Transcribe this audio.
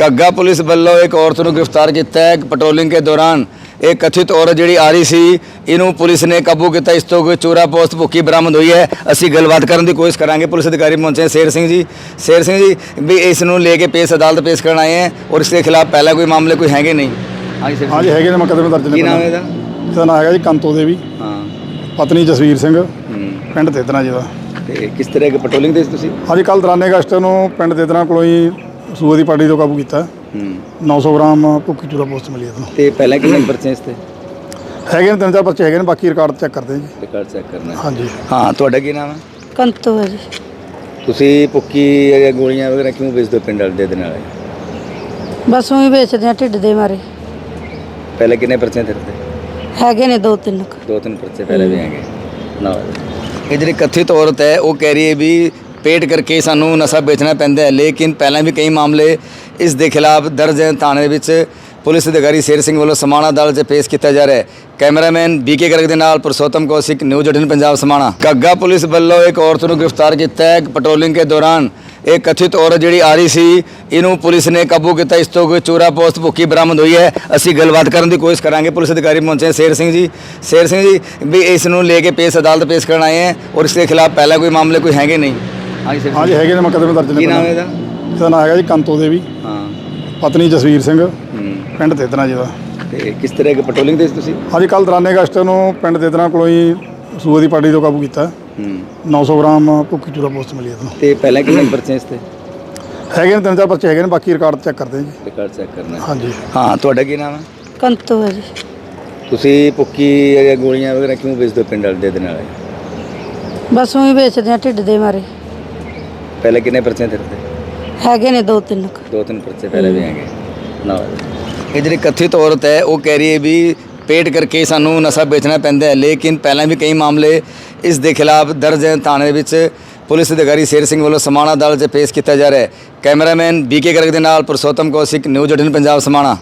घग्गा police ਵੱਲੋਂ एक औरत ਨੂੰ गिरफ्तार किया है। पेट्रोलिंग के दौरान एक कथित औरत जी आ रही सी, इनू पुलिस ने काबू किया। इस तो कोई चोरा पोस्ट भुक्की बरामद हुई है। असी गलबात करने की कोशिश करांगे। पुलिस अधिकारी पहुंचे शेर सिंह जी भी इसनू लेके पेश अदालत पेश करना आए हैं और इसके खिलाफ पहला कोई मामले कोई है नहीं? हाँ जी है मुकदमे दर्ज ने। की नाम है ਇਹਦਾ? ਇਹਦਾ ਨਾਮ ਹੈਗਾ ਜੀ ਕੰਤੋ ਦੇਵੀ, हाँ ਪਤਨੀ ਜਸਵੀਰ ਸਿੰਘ, ਪਿੰਡ ਤੇਦਨਾ ਜੀ ਦਾ। ਤੇ ਕਿਸ ਤਰ੍ਹਾਂ ਦੀ ਪੈਟਰੋਲਿੰਗ ਦੇ ਤੁਸੀਂ? ਅੱਜ ਕੱਲ੍ਹ 93 ਅਗਸਤ ਨੂੰ ਪਿੰਡ ਤੇਦਨਾ ਕੋਲੋਂ ਹੀ ਸੂਏ ਦੀ ਪਾਰਟੀ ਤੋਂ ਕਾਬੂ ਕੀਤਾ। 900 ਗ੍ਰਾਮ ਭੁੱਕੀ ਚੂਰਾ ਪੋਸਟ ਮਿਲੀ ਇਹਨੂੰ। ਤੇ ਪਹਿਲਾਂ ਕਿੰਨੇ ਪਰਚੇ ਇਸ ਤੇ ਹੈਗੇ ਨੇ 3-4 ਬੱਚੇ ਹੈਗੇ ਨੇ, ਬਾਕੀ ਰਿਕਾਰਡ ਚੈੱਕ ਕਰਦੇ ਹਾਂ ਜੀ। ਰਿਕਾਰਡ ਚੈੱਕ ਕਰਨਾ? ਹਾਂਜੀ ਹਾਂ। ਤੁਹਾਡਾ ਕੀ ਨਾਮ ਹੈ? ਕੰਤੋ ਹੈ ਜੀ। ਤੁਸੀਂ ਭੁੱਕੀ ਜਾਂ ਗੋਲੀਆਂ ਵਗੈਰਾ ਕਿਉਂ ਵੇਚਦੇ ਹੋ ਪਿੰਡ ਵਾਲੇ ਦੇ ਨਾਲ? ਬਸ ਉਹੀ ਵੇਚਦੇ ਆ ਢਿੱਡ ਦੇ ਮਾਰੇ। ਪਹਿਲੇ ਕਿੰਨੇ ਪਰਚੇ ਤੇਰੇ ਤੇ? ਹੈਗੇ ਨੇ 2-3 दो तीन पर्चे पहले भी हैंगे ना। ये जी कथित औरत है वो कह रही है भी पेट करके सानू नशा बेचना पैंदा है, लेकिन पहले भी कई मामले इस दे खिलाफ दर्ज है थाने विच। पुलिस अधिकारी शेर सिंह वालों समाणा अदालत 'ਚ पेश किया जा रहा है। कैमरामैन बीके गर्ग के नाल पुरुषोत्तम कौशिक, न्यूज़ 18 पंजाब समाणा। घग्गा पुलिस ਵੱਲੋਂ एक औरत ਨੂੰ गिरफ्तार किया है। पेट्रोलिंग के दौरान एक कथित औरत जी आ रही सी, इनू पुलिस ने काबू किया। इस तो कोई चोरा पोस्ट भुक्की बरामद हुई है। असी गलबात करने की कोशिश करांगे। पुलिस अधिकारी पहुंचे शेर सिंह जी भी इसनू लेके पेश अदालत पेश करना आए हैं और इसके खिलाफ पहला कोई मामले कोई है नहीं? हाँ जी है मुकदमे दर्ज ने। की नाम है ਇਹਦਾ? ਇਹਦਾ ਨਾਮ ਹੈਗਾ ਜੀ ਕੰਤੋ ਦੇਵੀ, हाँ ਪਤਨੀ ਜਸਵੀਰ ਸਿੰਘ, ਪਿੰਡ ਤੇਦਨਾ ਜੀ ਦਾ। ਤੇ ਕਿਸ ਤਰ੍ਹਾਂ ਦੀ ਪੈਟਰੋਲਿੰਗ ਦੇ ਤੁਸੀਂ? ਅੱਜ ਕੱਲ੍ਹ 93 ਅਗਸਤ ਨੂੰ ਪਿੰਡ ਤੇਦਨਾ ਕੋਲੋਂ ਹੀ ਸੂਏ ਦੀ ਪਾਰਟੀ ਤੋਂ ਕਾਬੂ ਕੀਤਾ। 900 ਗ੍ਰਾਮ ਭੁੱਕੀ ਚੂਰਾ ਪੋਸਟ ਮਿਲੀ ਇਹਨੂੰ। ਤੇ ਪਹਿਲਾਂ ਕਿੰਨੇ ਪਰਚੇ ਇਸ ਤੇ? ਹੈਗੇ ਨੇ 3-4 ਬੱਚੇ ਹੈਗੇ ਨੇ, ਬਾਕੀ ਰਿਕਾਰਡ ਚੈੱਕ ਕਰਦੇ ਹਾਂ ਜੀ। ਰਿਕਾਰਡ ਚੈੱਕ ਕਰਨਾ? ਹਾਂਜੀ ਹਾਂ। ਤੁਹਾਡਾ ਕੀ ਨਾਮ ਹੈ? ਕੰਤੋ ਹੈ ਜੀ। ਤੁਸੀਂ ਭੁੱਕੀ ਜਾਂ ਗੋਲੀਆਂ ਵਗੈਰਾ ਕਿਉਂ ਵੇਚਦੇ ਹੋ ਪਿੰਡ ਵਾਲੇ ਦੇ ਨਾਲ? ਬਸ ਉਹੀ ਵੇਚਦੇ ਆ ਢਿੱਡ ਦੇ ਮਾਰੇ। ਪਹਿਲੇ ਕਿੰਨੇ ਪਰਚੇ ਤੇਰੇ ਤੇ? ਹੈਗੇ ਨੇ 2-3 दो तीन पर्चे पहले भी हैंगे ना। ये जी कथित औरत है वो कह रही है भी पेट करके सानू नशा बेचना पैंदा है, लेकिन पहले भी कई मामले इस दे खिलाफ दर्ज है थाने विच। पुलिस अधिकारी शेर सिंह वालों समाणा अदालत 'ਚ पेश किया जा रहा है। कैमरामैन बीके गर्ग के नाल पुरुषोत्तम कौशिक, न्यूज़ 18 पंजाब समाणा।